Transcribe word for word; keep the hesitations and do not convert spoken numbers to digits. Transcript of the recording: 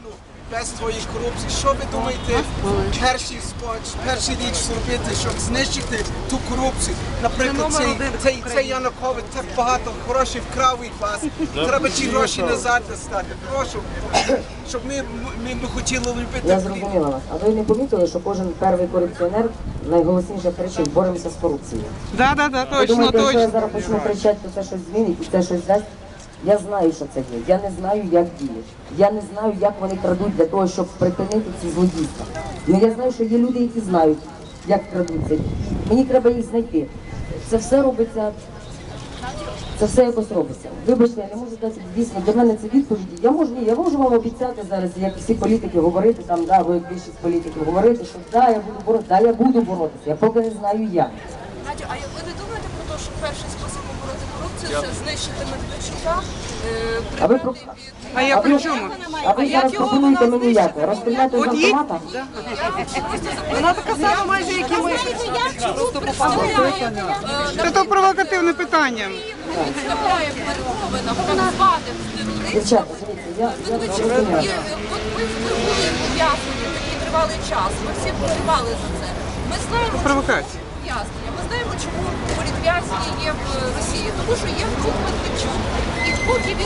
країну без твоєї корупції. Що ви думаєте, перший споч, перший річ зробити, щоб знищити ту корупцію? Наприклад, цей, цей, цей Янукович так багато грошей вкрав від вас. Треба ті гроші назад достати. Прошу, щоб ми, ми, ми хотіли любити. Я зрозуміла вас. А ви не помітили, що кожен перший корупціонер найголосніше кричить: боремося з корупцією? Да, да, да, Ви точно, думаєте, якщо я точно. зараз почну кричати, то це щось змінить і це щось дасть? Я знаю, що це є. Я не знаю, як діють. Я не знаю, як вони крадуть для того, щоб припинити ці злодійства. Ну я знаю, що є люди, які знають, як крадуться. Мені треба їх знайти. Це все робиться, це все якось робиться. Вибачте, я не можу дати, дійсно, для мене це відповіді. Я можу, ні, я можу вам обіцяти зараз, як всі політики, говорити, там, да, ви як більшість політиків, говорити, що да, я буду боротися, да, я буду боротися. Я поки не знаю як. Надю, а ви не думаєте про те, що перший спосіб побороти корупцію – це знищити Медведчука, е, А ви прибрати про- від... А я А при ви, чому? а ви зараз пропонуєте мені як? Розстріляти з От їй- автомата? Вона така сама майже, як і ми. Просто представляє, Це то провокативне питання. представляє в перемовинах так званих терористів. Дівчата, дивіться, я, я зрозуміла. І от ми були ув'язнені такий тривалий час, ми всі переживали за це. Ми знаємо, чому Провокація. ув'язнення. Ми знаємо, чому політв'язні є в Росії. Тому що є Медведчук. І поки він